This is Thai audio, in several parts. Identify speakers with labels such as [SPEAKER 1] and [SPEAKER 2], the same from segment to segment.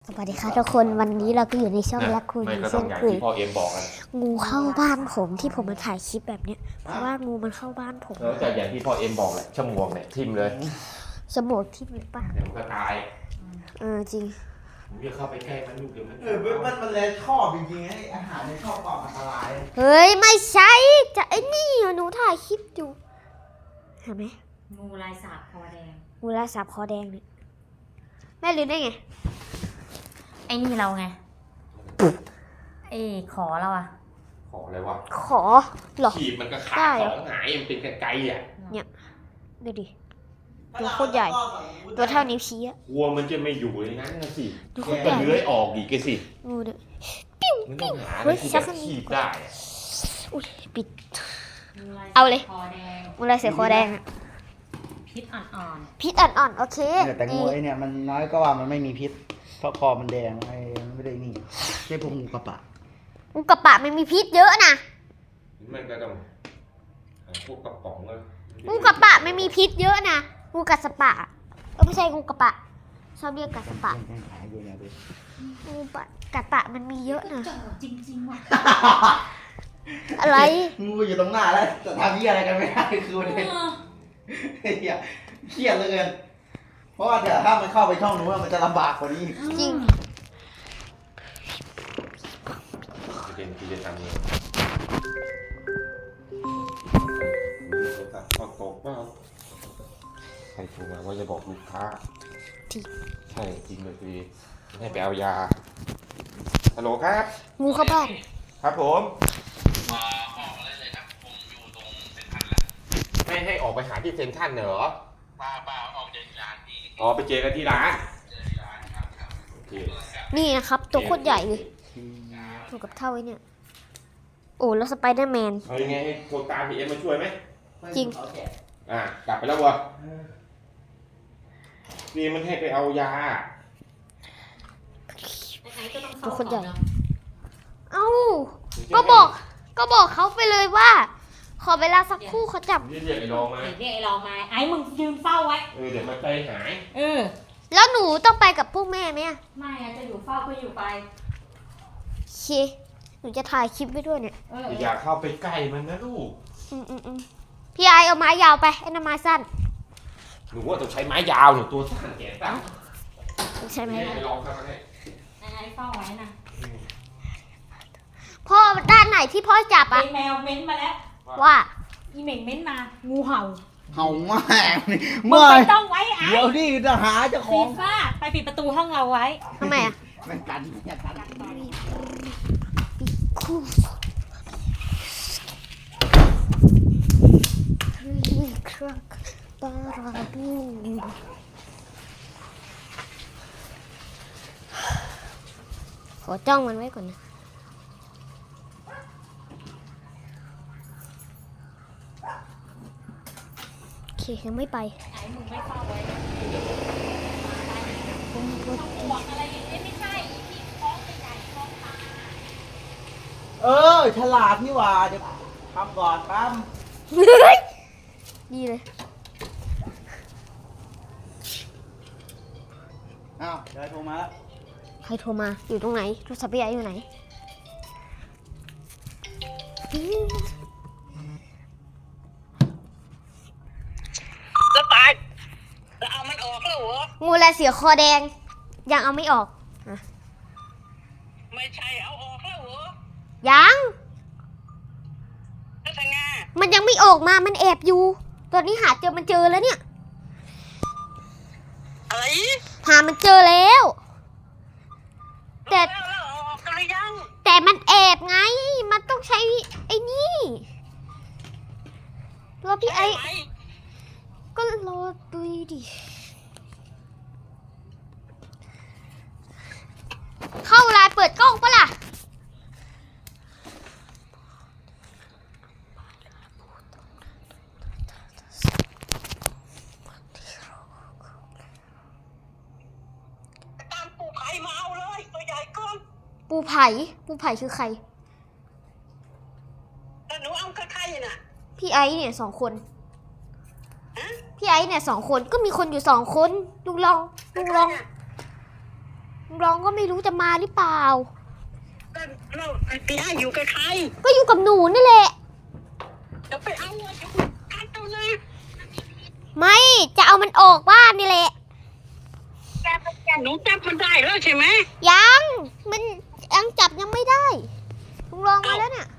[SPEAKER 1] สวัสดีค่ะทุกคนวันนี้เราก็อยู่ในช่องรักคุณ
[SPEAKER 2] ไม่ก็ต้
[SPEAKER 1] เช่
[SPEAKER 2] อง
[SPEAKER 1] น
[SPEAKER 2] อย่าง
[SPEAKER 1] เคย
[SPEAKER 2] ที่พ่อเอ็มบอกกัน
[SPEAKER 1] งูเข้าบ้านผมที่ผมมาถ่ายคลิปแบบเนี้ยเพราะว่างูมันเข้าบ้านผม
[SPEAKER 2] แล้วแต่อย่างที่พ่อเอ็มบอกแหละชั่วโมงเนี่ยทิ่มเลย
[SPEAKER 1] สมองทิ่มเลยปะ
[SPEAKER 2] เดี๋ยวมันก็ตาย
[SPEAKER 1] จริง
[SPEAKER 2] ผมจะเข้าไปใกล้มันลูกเดี๋ยวมัน
[SPEAKER 3] มันเลยชอบจริงๆไอ้อาหารในชอบปอกอันตราย
[SPEAKER 1] เฮ้ยไม่ใช่จะไอ้นี่หนูถ่ายคลิปอยู่เห็นไหม
[SPEAKER 4] งูลายสาบคอแดง
[SPEAKER 1] งูลายสาบคอแดงเนี่ยแม่รู้ได้ไง
[SPEAKER 4] ไอ้นี่เราไงไอ้ขอเราอะ
[SPEAKER 2] ขออะไรวะ
[SPEAKER 1] ขอเหรอ
[SPEAKER 2] ขีบมันก็ขา
[SPEAKER 1] ได้
[SPEAKER 2] ด
[SPEAKER 1] เหรอ
[SPEAKER 2] ของหายมันเป็นไกลๆอ่ะ
[SPEAKER 1] ดูดิ ตัวโคตรใหญ่ ตัวเท่านิ้วชี้อะ
[SPEAKER 2] กลัวมันจะไม่อยู่ในนั้นนะสิ
[SPEAKER 1] ดูโค
[SPEAKER 2] มั
[SPEAKER 1] ต
[SPEAKER 2] น
[SPEAKER 1] ร
[SPEAKER 2] ก็
[SPEAKER 1] ใหญ่
[SPEAKER 2] เลื้อยออกอีกสิ
[SPEAKER 1] งูเนี่ย
[SPEAKER 2] มันต้องหา
[SPEAKER 1] เฮ้
[SPEAKER 2] อะไร
[SPEAKER 1] ย
[SPEAKER 2] ที่
[SPEAKER 1] สั
[SPEAKER 2] แบ
[SPEAKER 1] ก
[SPEAKER 2] บขีบได้อะ
[SPEAKER 1] อุ้ยปิด
[SPEAKER 4] งูลายสาบ
[SPEAKER 1] เอาเลย
[SPEAKER 4] คอแดง
[SPEAKER 1] งูลายเสือคอแดงอะ
[SPEAKER 4] พิษอ่อน
[SPEAKER 1] พิษอ่อนๆโอเค
[SPEAKER 3] แต่งูไอ้เนี่ยมันน้อยก็ว่ามันไม่มีพิษเพราะคอมันแดงไม่ได้นี่ใช่พวกงูกระปะ
[SPEAKER 1] งูกระปะมันมีพิษเยอะนะ
[SPEAKER 2] มันก็ต้องหาพวกกระป๋องเลย
[SPEAKER 1] งูกระปะไม่มีพิษเยอะนะงูกัดสปะไม่ใช่งูกระปะชอบเรียกกัดสปะ
[SPEAKER 3] ยังขายอยู่เนี่ยดู
[SPEAKER 1] งูปะกัดปะมันมีเยอะนะ
[SPEAKER 4] ๆจ่อจริงๆว่ะ
[SPEAKER 1] อะไร
[SPEAKER 3] งูอยู่ตรงหน้าแล้วแต่ทำยี่อะไรกันไม่ได้คือประเด็นเฮียเครียดเหลือเกินเพราะว่าเดี๋ยวถ้ามันเข้าไปช่องนู้นมันจะลำบากกว่านี้
[SPEAKER 1] จริง
[SPEAKER 2] ประเด็นคือจะทำไงพอตกว่าใครโทรมาว่าจะบอกลูกค้า
[SPEAKER 1] จริง
[SPEAKER 2] ใช่จริงเลยพี่ให้ไปเอายาฮัลโหลครับ
[SPEAKER 1] งูเข้าบ้าน
[SPEAKER 2] ครับผมไม่ให้ออกไปหาที่เซ็นทรัลเหรอป้าออกจากร้านที่อ๋อไปเจอกันที่ร้านโอเค
[SPEAKER 1] นี่นะครับตัวโคตรใหญ่เลยตัวกับเท่าไอ้เนี่ยโอ้แล้วสไปเดอร์แมน
[SPEAKER 2] เอายังไงให้โทรตามพี่เอ็มมาช่วยไหม
[SPEAKER 1] จริง
[SPEAKER 2] กลับไปแล้ววะนี่มันให้ไปเอายา
[SPEAKER 4] ไหนๆก็ต้อง
[SPEAKER 1] ตัวคนใหญ่
[SPEAKER 4] เนาะ
[SPEAKER 1] เอ้าก็บอกเขาไปเลยว่า ขอเวลาสักครู่เขาจับ
[SPEAKER 2] เรียกไอ้รองมา
[SPEAKER 4] เดี๋ยวเรียกไอ้เรามาไอ้มึงยืนเฝ้าไว้
[SPEAKER 2] เดี๋ยวมันใจหาย
[SPEAKER 1] แล้วหนูต้องไปกับพวกแม่ไหมอะ
[SPEAKER 4] ไม่อะจะอยู่เฝ้าก็อยู่ไป
[SPEAKER 1] โอเคหนูจะถ่ายคลิปไว้ด้วยเนี่ย
[SPEAKER 2] อย่าเข้าไปใกล้มันนะลูก
[SPEAKER 1] พี่ไอเอาไม้ยาวไปไอ้น้ำไม้สั้น
[SPEAKER 2] หนูว่าต้องใช้ไม้ยาวหนูตัวสั้นแขนสั้น
[SPEAKER 1] ใช่ไหม
[SPEAKER 2] ไปลองเข้ามาให้
[SPEAKER 4] ไอ้เฝ้าไว้นะ
[SPEAKER 1] พ่อด้านไหนที่พ่อจับ
[SPEAKER 4] ไอ้
[SPEAKER 1] อะ
[SPEAKER 4] แมวเม้นมาแล้ว
[SPEAKER 1] ว่า
[SPEAKER 4] อีเหม่งเม้นมา งูเห่า
[SPEAKER 3] เห่ามาก
[SPEAKER 4] มึง
[SPEAKER 3] เมื่อ
[SPEAKER 4] ไม่ต้องไว้ไอ้
[SPEAKER 3] เดี๋ยวนี่จะหาเจ้าข
[SPEAKER 4] ฟี
[SPEAKER 3] อง
[SPEAKER 4] ฟ่าไปปิดประตูห้องเราไว้
[SPEAKER 1] ทำไมอะ
[SPEAKER 3] แม่งกันเนี่ยกัน
[SPEAKER 1] คู่ครักบาราบูขอจ้องมันไว้ก่อนนะโอเคยังไม่ไป
[SPEAKER 4] ไอ้มึงไม่เฝ้าไว้
[SPEAKER 1] ผม
[SPEAKER 4] บอกอะไรอย่างนี้ไม่ใช่ที่ท้องใหญ่ๆท้องตา
[SPEAKER 3] ฉลาดนี่หว่าเดี๋ยวทำก่อนปั๊ม
[SPEAKER 1] ดีเลย
[SPEAKER 3] อ้าวยายโทรมาแล้ว
[SPEAKER 1] ใครโทรมาอยู่ตรงไหนโทรศัพท์พี่ไออยู่ไหน
[SPEAKER 5] แล้วตายแล้วเอามันออกแล้วเหรอ
[SPEAKER 1] งูลายเสือคอแดง ยังเอาไม่ออก
[SPEAKER 5] ไม่ใช่เอาออกแล้วเหรอ
[SPEAKER 1] ยัง
[SPEAKER 5] แล้วทางงา
[SPEAKER 1] มันยังไม่ออกมามันแอบอยู่ ตอนนี้หาเจอมันเจอแล้วเนี่ย
[SPEAKER 5] อะไร
[SPEAKER 1] หามันเจอแล้ว แต่
[SPEAKER 5] แล้วเอาออกกันหรือยัง
[SPEAKER 1] แต่มันแอบไง มันต้องใช้ไอ้นี่รอพี่ไอ
[SPEAKER 5] ใช่ไหม
[SPEAKER 1] ก็รอดูดิ เข้าไลน์เปิดกล้องปะล่ะ
[SPEAKER 5] ตามปู่ไผ่มาเอาเลยตัวใหญ่เกิน
[SPEAKER 1] ปูไผ่คือใคร
[SPEAKER 5] แต่หนูเอาใครๆน่ะ
[SPEAKER 1] พี่ไอเนี่ย2 คน
[SPEAKER 5] ฮะ
[SPEAKER 1] พี่ไอเนี่ย2 คนก็มีคนอยู่2 คนลุงลองลุงรองก็ไม่รู้จะมาหรือเปล่า
[SPEAKER 5] เราไปให้อยู่กับใคร
[SPEAKER 1] ก็อยู่กับหนูนี่แหละ
[SPEAKER 5] จะไปเอาอะจะไปกัดเอาเลย
[SPEAKER 1] ไม่จะเอามันออกบ้านนี่แหละ
[SPEAKER 5] หนูจับมันได้แล้วใช่ไหม
[SPEAKER 1] ยังมันยังจับยังไม่ได้ลุงรองมาแล้วเนี่ย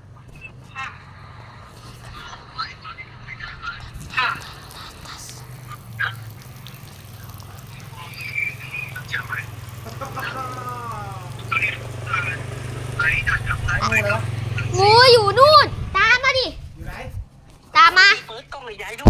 [SPEAKER 1] งูอยู่นู่น ตามมาดิ
[SPEAKER 3] อยู่ไหน
[SPEAKER 1] ตามมา
[SPEAKER 5] เปิดกล้องใหญ่ๆดู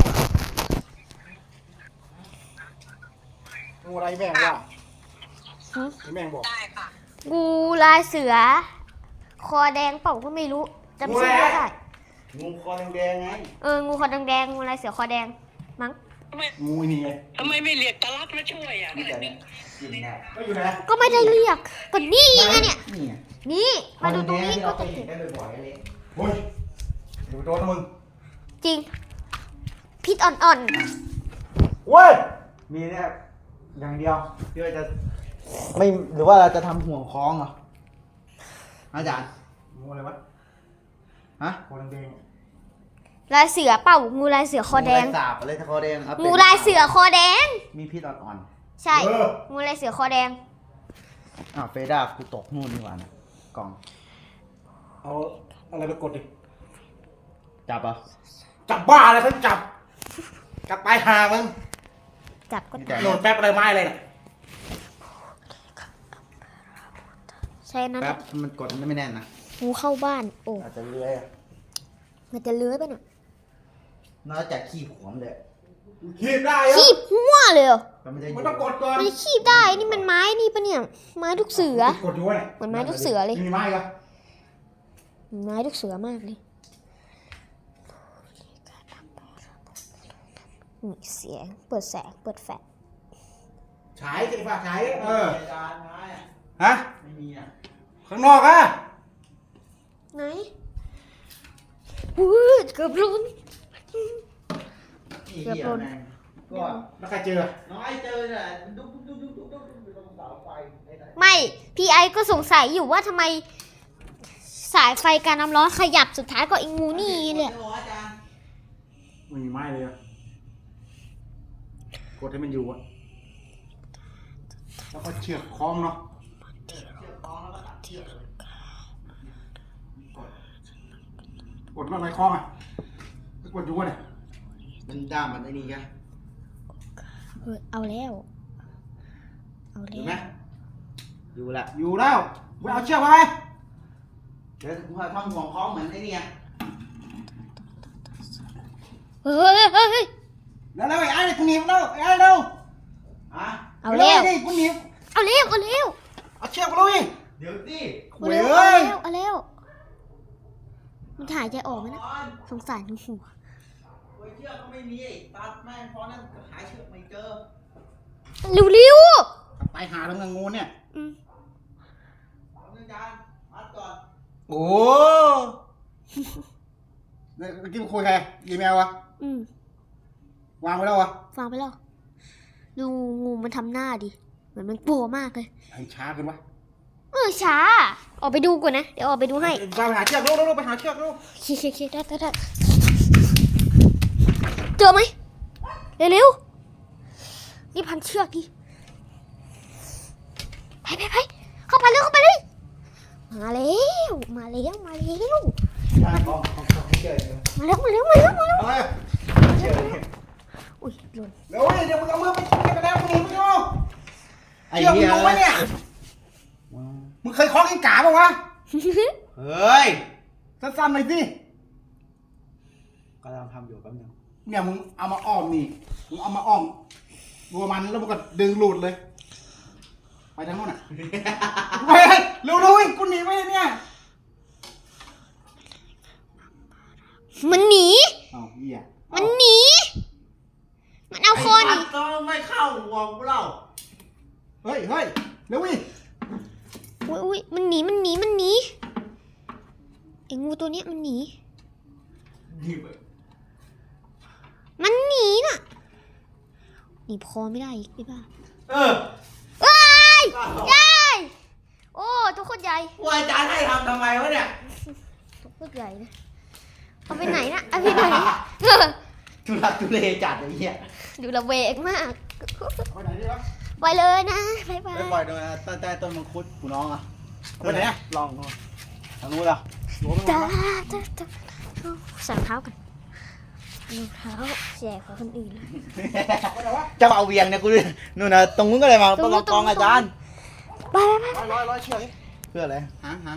[SPEAKER 3] งูอะไรแม่งว่าแม่งบอก
[SPEAKER 5] ได้ค่ะ
[SPEAKER 1] งูลายเสือ คอแดงเปล่าก็ไม่รู้จำชื่อไม่ได้
[SPEAKER 3] งูคอแดงๆไง
[SPEAKER 1] งูคอแดงๆงูลายเสือคอแดงมั้ง
[SPEAKER 3] งูนี่ไง
[SPEAKER 5] ทำไมไม่เรียกตาลัดมาช่วยอ่ะ
[SPEAKER 3] นี่แต่เนี่ยกินได้ก็อยู่ไหน
[SPEAKER 1] ก็ไม่ได้เรียกก็นี่ไงเนี่ย
[SPEAKER 3] นี่ไง
[SPEAKER 1] นี่มาดูตรงนี้
[SPEAKER 3] ที่
[SPEAKER 1] ก็
[SPEAKER 3] เราเค
[SPEAKER 1] จะ
[SPEAKER 3] ยเห็
[SPEAKER 1] เห็
[SPEAKER 3] น
[SPEAKER 1] น
[SPEAKER 3] ได้บ่อยๆเลยโอ้ยเดี๋ยวโดนนะมึง
[SPEAKER 1] จริง พิษอ่อน
[SPEAKER 3] เว้ยมีเนี่ยอย่างเดียวที่ว่าจะไม่หรือว่าเราจะทำห่วงคล้องเหรออาจารย์งูอะไรวะฮะคอแดง
[SPEAKER 1] ๆลายเสือเปล่างูลายเสือคอแดง
[SPEAKER 3] งูลายสาบอะไรคอแดงครับ
[SPEAKER 1] งูลายเสือคอแดง
[SPEAKER 3] มีพิษอ่อน
[SPEAKER 1] ใช่ งูลายเสือคอแดง
[SPEAKER 3] ๆอ้าวเฟด้ากูตกนู่นนี่หว่านะกล่อง
[SPEAKER 6] เอาอะไรไปกดดิ
[SPEAKER 3] จับอ่ะ
[SPEAKER 6] จับบ้าอะไรเขาจับ จับปลายหามึง
[SPEAKER 1] จับก็
[SPEAKER 3] แต่
[SPEAKER 6] โหลดแป๊บอะไรไม้อะไรน่ะ
[SPEAKER 1] ใช่นั้น
[SPEAKER 3] แป๊บมันกดไม่แน่นนะ
[SPEAKER 1] งูเข้าบ้าน โอ้
[SPEAKER 3] อาจจะเลื้อยอะ
[SPEAKER 1] มันจะเลื้อยไปน่ะ
[SPEAKER 3] นอกจากขี้หัวมันเลย
[SPEAKER 6] ขีบได้เหรอ
[SPEAKER 1] คีบหัวเลยเหรอ
[SPEAKER 3] ก็ไม่ได้
[SPEAKER 6] มันต้องกดก่อน
[SPEAKER 1] มันคีบได้นี่มันไม้นี่ปะเนี่ย ไม้ลูกเสือ
[SPEAKER 6] กดอยู่วะเนี่ย
[SPEAKER 1] เหมือนไม้ลูกเสือเลย
[SPEAKER 6] มีไม้เหรอ
[SPEAKER 1] ไม้ลูกเสือมากเลยนี่เสียง เปิดแสง เปิดแฟลช
[SPEAKER 6] ฉายสิฝากฉายเออ
[SPEAKER 3] จานไม้อะ
[SPEAKER 6] ฮะ
[SPEAKER 3] ไม่มีอ่ะ
[SPEAKER 6] ข้างนอกอะ
[SPEAKER 1] ไหนอู้เกือบล้น
[SPEAKER 3] ขี้
[SPEAKER 1] เกือบ
[SPEAKER 3] เหี้ย
[SPEAKER 1] โดน
[SPEAKER 3] แม่งก็
[SPEAKER 6] แล้วใครเจอ
[SPEAKER 3] น้อยเจอเนี่ยดุ๊กดุ๊กดุ๊กดุ๊กดุ๊กอยู่ตรงเสาไฟไอ้ไหน
[SPEAKER 1] ไม่ พี่ไอก็สงสัยอยู่ว่าทำไมสายไฟการน้ำร้อนขยับสุดท้ายก็ไอ้งูนี่แหละ
[SPEAKER 3] โอ้อาจารย์
[SPEAKER 6] ไม่มีไม้เลยอะกดให้มันอยู่อะแล้วก็เชือกคล้องเนาะ
[SPEAKER 3] เชือกคล้องแล้วก็ตัดเชือกเลย
[SPEAKER 6] กดว่าอะไรคล้องอะกดอยู่วะเนี่ย
[SPEAKER 3] มันด้ามมันไอ้นี่ไง
[SPEAKER 1] เอาแล้ว เอา
[SPEAKER 3] เห็น
[SPEAKER 1] แล้
[SPEAKER 3] ไหม
[SPEAKER 1] ว
[SPEAKER 3] อยู่ละ
[SPEAKER 6] อยู่แล้วไปเอาเชือกมาไหม
[SPEAKER 3] เดี๋ยวกูทำห่วงคล้องเหมือนไอ้นี่ไง
[SPEAKER 1] เฮ้ยเฮ้ยเฮ้ย
[SPEAKER 6] แล้วไอ้ไอ้กูหนีบแล้วไอ้ไอ้เร็ว
[SPEAKER 3] อ่ะ
[SPEAKER 1] เอาแล้ว
[SPEAKER 6] นี่กูหนีบ
[SPEAKER 1] เอาแล้วเอาแล้ว
[SPEAKER 6] เอาเชือกมาเลย
[SPEAKER 3] เดี๋ยวสิ
[SPEAKER 1] เอาแล้วเอาแล้วเอาแล้วมันถ่ายใจออกไหมนะ
[SPEAKER 3] ก่อน
[SPEAKER 1] สงสารหัว
[SPEAKER 3] โอ้ยเชือกก็ไม่มีตัดแม่งพอนั่นหาเชือกไม่เจอ
[SPEAKER 1] เร็ว
[SPEAKER 6] ไปหาแล้วเงงูเนี่ย
[SPEAKER 1] ๆอืม
[SPEAKER 3] เอาเงินจานมัดก่อน
[SPEAKER 6] โอ้เนี่ยเมื่อกี้มึงคุยใครยีเมลวะ
[SPEAKER 1] อืม
[SPEAKER 6] วางไว้แล้ววะ
[SPEAKER 1] ฟังไปแล้วดูงูมันทำหน้าดิเหมือนมันกลัวมากเลย
[SPEAKER 6] ไอ้ช้าขึ้นวะ
[SPEAKER 1] ช้าออกไปดูก่อนนะเดี๋ยวออกไปดูให้
[SPEAKER 6] ไปหาเชือกลูกไปหาเชือกลูก
[SPEAKER 1] เคได้เจอไหมเร็วๆนี่พันเชือกดิไปเข้าไปเลยมาแล้วมาแล้ว
[SPEAKER 3] จานของไม่เจอเลย
[SPEAKER 1] มาแล้ว
[SPEAKER 6] อะไร
[SPEAKER 3] เจอเลย
[SPEAKER 1] อุ้ยหล่น
[SPEAKER 6] เดี๋ยวเดี๋ยวมึงเอามือไปกระแดงมึงหนีมึงดู
[SPEAKER 3] ไอ้
[SPEAKER 6] เชือกมึ
[SPEAKER 3] เหี้
[SPEAKER 6] ง
[SPEAKER 3] ย
[SPEAKER 6] ลงไว้เนี่ยมึงเคยคล้องกินกาป่ะวะ
[SPEAKER 3] เฮ้ย
[SPEAKER 6] สั้นๆหน่อยสิ
[SPEAKER 3] กำลังทำอยู่แป๊บนึง
[SPEAKER 6] เนี่ยมึงเอามาอ้อมนี่มึงเอามาอ้อมรัวมันแล้วมึงก็ดึงหลุดเลยไปทางโน้นอ่ะไปเร็วกูหนีไปเนี่ย
[SPEAKER 1] มันหนี
[SPEAKER 6] อ้าวเหี้ย
[SPEAKER 1] มันหนีมันเอาคอหนี
[SPEAKER 3] ต้องไม่เข้าห่วงกูเล่า
[SPEAKER 6] เฮ้ยเร็ววิ
[SPEAKER 1] อุ้ยมันหนีไอ้งูตัวเนี้ยมันหนีน่ะหนีพอไม่ได้อีกไอ้บ้า
[SPEAKER 3] เออ
[SPEAKER 1] ว้ายได้ตรใหญ่เลยเอาไปไหนนะเอาไปไหน
[SPEAKER 3] ทุลักทุเลจัดไอ้เหี้ย
[SPEAKER 1] ดูระเวงมาก
[SPEAKER 6] ไปไหนดีวะ
[SPEAKER 1] ไปเลยนะบ๊ายบา
[SPEAKER 3] ไป
[SPEAKER 1] ย
[SPEAKER 3] ปล่อยโดยใต้ต้นมังคุดกูน้องอ่ะ
[SPEAKER 6] ไปไหนอะ
[SPEAKER 3] ลองดูทางนู้นเหรอ
[SPEAKER 6] หัวมัน
[SPEAKER 1] จ้า
[SPEAKER 6] มา
[SPEAKER 1] จ้าใส่รองเท้ากันรองเท้าแจกของคนอื่นเลย
[SPEAKER 6] ไปไหนวะ
[SPEAKER 3] จะเอาเวียงเนี่ยกูนู่นนะตรงนู้นก็เลยมา
[SPEAKER 1] ตรงนู้น
[SPEAKER 3] กองอาจารย์
[SPEAKER 1] ไปไปไป
[SPEAKER 6] ร้อยเชือกดิ
[SPEAKER 3] เพื่ออะไร
[SPEAKER 6] หาง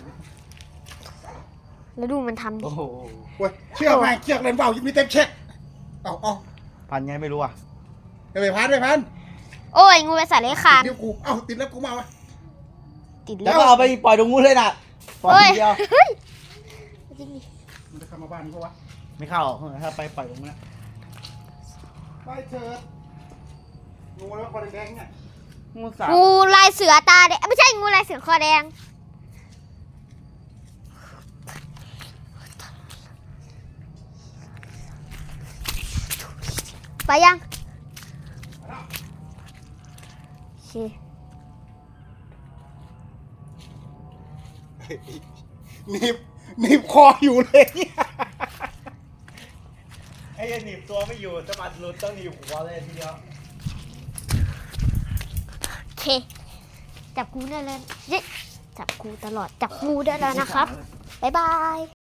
[SPEAKER 1] แล้วดูมันทำดิ
[SPEAKER 3] โอ้โห
[SPEAKER 6] เว้ยเชือกไงเชือกเล่นเปล่ามีเต็มเช็คเอา
[SPEAKER 3] พันไงไม่รู้อ่ะ
[SPEAKER 6] ไปพัน
[SPEAKER 1] โอ้ยงูไปใส่เลขคาน
[SPEAKER 6] เดี๋ยวกูเอาติดแล้วกูมาวะ
[SPEAKER 1] ติด
[SPEAKER 3] แล้ว
[SPEAKER 1] เลื
[SPEAKER 3] ก็
[SPEAKER 1] อ
[SPEAKER 3] เอา
[SPEAKER 1] ด
[SPEAKER 3] ไปปล่อยตรงนู้นเลยน่ะปล่อย
[SPEAKER 1] เฮ้ย
[SPEAKER 3] ทีเดียว
[SPEAKER 1] เฮ้ยจริงดิ
[SPEAKER 6] มันจะเข้ามาบ้านนี้ปะวะ
[SPEAKER 3] ไม่เข้าถ้าไปปล่อยตรงนู้นนะ
[SPEAKER 6] ไปเถิดงูแล้วคอแดงเนี่ย
[SPEAKER 3] งูสาบ
[SPEAKER 1] งูลายเสือตาแดงไม่ใช่งูลายเสือคอแดงไปยังโอเค
[SPEAKER 6] หนีบคออยู่เลย
[SPEAKER 3] ไอ้ยันหนีบตัวไม่อยู่สะบัดหลุดต้องหนีบหัวเลยทีเดียว
[SPEAKER 1] โอเค จับงูได้แล้วเย้จับงูตลอด จับงูได้แล้วนะครับ บ๊ายบาย